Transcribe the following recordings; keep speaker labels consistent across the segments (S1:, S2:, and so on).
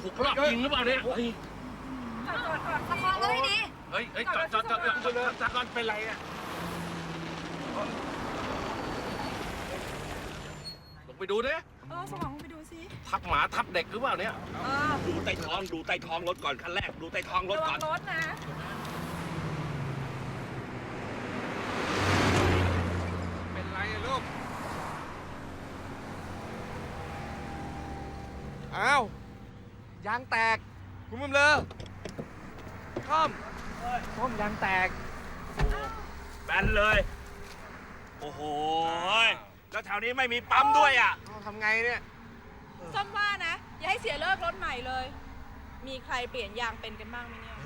S1: ถูกรอบยิงหรือเปล่าเนี่ย
S2: ประคองก็ไม่ดี
S1: เฮ้ยจอดก่อนเป็นไรอ่ะลงไปดูดิ
S2: สมองไปดูสิ
S1: ทับหมาทับเด็กหรือเปล่าเนี่ย
S3: ดูใต้ท้องรถก่อนคันแรกดูใต้ท้องรถก่อน
S2: รถนะ
S4: เป็นไรอะลูกอ้าวยางแตกคุณมึงเลยค่อมยางแตก
S3: แบนเลยโอ้โหแล้วแถวนี้ไม่มีปั๊มด้วยอ่ะ
S4: ทำไงเนี่ย
S2: ส้มว่านะอย่าให้เสียเลิกรถใหม่เลยมีใครเปลี่ยนยางเป็นกันบ้างไหมเนี่ย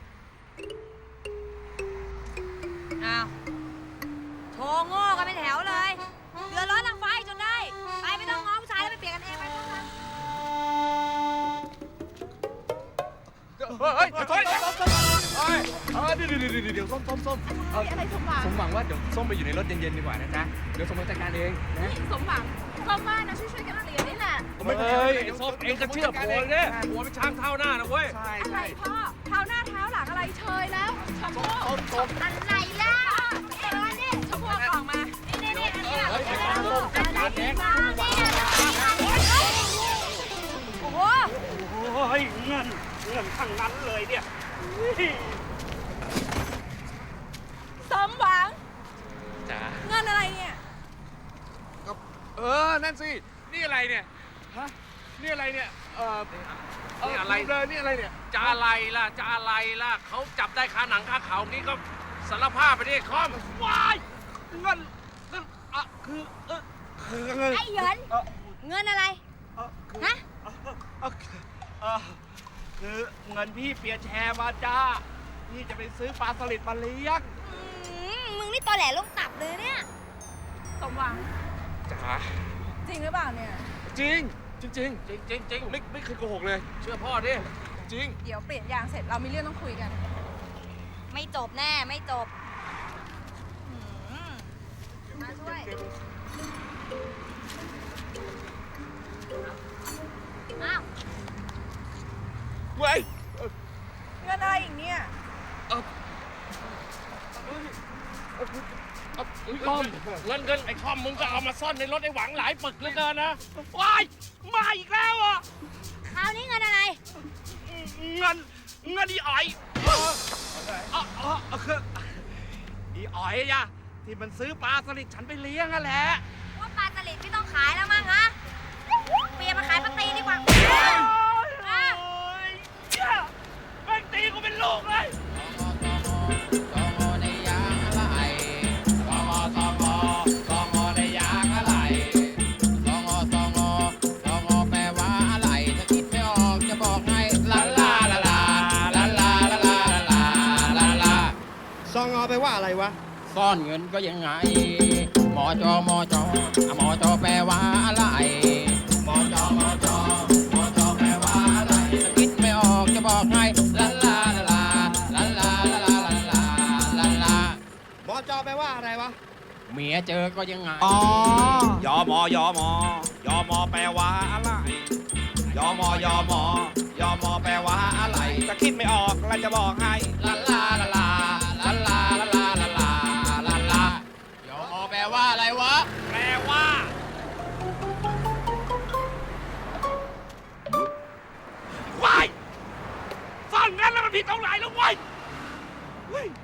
S2: อ้าวโชว์โง่กันเป็นแถวเลยเดือดร้อนทางไฟจนได้ไปไม่ต้องง้อผู้ชายแล้วไปเปลี่ยนกันเองไป
S4: เฮ้ยเดี๋ยวส้ม
S2: อะไรสมหวัง
S4: สมหวังว่าเดี๋ยวส้มไปอยู่ในรถเย็นๆดีกว่านะจ๊ะเดี๋ยวส้มจัดการเองนะ
S2: สมหวังส้มว่านะช่วยกันเรียนนี่แหละ
S1: เฮ้ยส้มเองก็เชื่อผัวเนี่ยผัวเป็นช้างเท้าหน้านะเว้ย
S2: อะไรพ่อเท้าหน้าเท้าหลังอะไรเชยแล้วชมพู่อะไรล่ะนี่ชมพู่ออกมานี่อันนี้โอ้โห
S3: เงินทั้งนั้นเลยเนี่ย
S2: สมหวัง
S4: จ๋า
S2: เงินอะไรเนี่ย
S4: นั่นสินี่อะไรเนี่ยฮะนี่อะไรเนี่ย
S1: นี่อะไร
S4: เลยนี่อะไรเนี่ย
S1: จะอะไรล่ะเขาจับได้คาหนังคาเขานี่ก็สารภาพไปดิคอม
S3: วายเงินคือ
S2: ไอ้เหยินเงินอะไรฮะ
S3: คือเงินพี่เปียแชร์มาจ้าพี่จะไปซื้อปลาสลิดมาเลี้ยง
S2: มึงนี่ตอแหลลงตับเลยเนี่ยสมหวัง
S4: จ๋า
S2: จริงหรือเปล่าเนี่ย
S4: จริงไม่เคยโกหกเลย
S1: เชื่อพ่อดิ
S4: จริง
S2: เดี๋ยวเปลี่ยนยางเสร็จเรามีเรื่องต้องคุยกันไม่จบแน่ไม่จบมาช่วยอ้าว
S4: เว้ย
S2: เงินอะไรอีกเนี่ย
S1: คอมเงินไอ้คอมมึงก็เอามาซ่อนในรถไอ้หวังหลายปึกเหลือเกินนะ
S3: ว้ายมาอีกแล้วอ่ะ
S2: คราวนี้เงินอะไร
S3: เงินอีอ๋อยคืออีอ๋อยอะที่มันซื้อปลาสลิดฉันไปเลี้ยงนั่นแหละ
S2: ว่าปลาสลิดไม่ต้องขายแล้วมั้งฮะเปลี่ยนมาขายปลาตีดีกว่า
S3: แม่งตีกูเป็นลูกเลย
S5: ซองอไปว่าอะไรวะ
S6: ซ่อนเงินก็ยังไงมอจอแปลว่าอะไรมอจอแปลว่าอะไรคิดไม่ออกจะบอกให้ลาลาลาลาลาลาลาลาลาลาม
S5: อจอแปลว่าอะไรวะ
S6: เมียเจอก็ยังไง
S5: อ๋
S3: อยอมอแปลว่าอะไรยอมอแปลว่าอะไรจะคิดไม่ออกแล้วจะบอกให้
S6: ลาลาลาลาลาลาลาลาลาลาลาลายอมอแปลว่าอะไรวะ
S3: แปลว่าว้ายซ่อนงั้นแล้วมันผิดตรงไหนแล้วเว้ย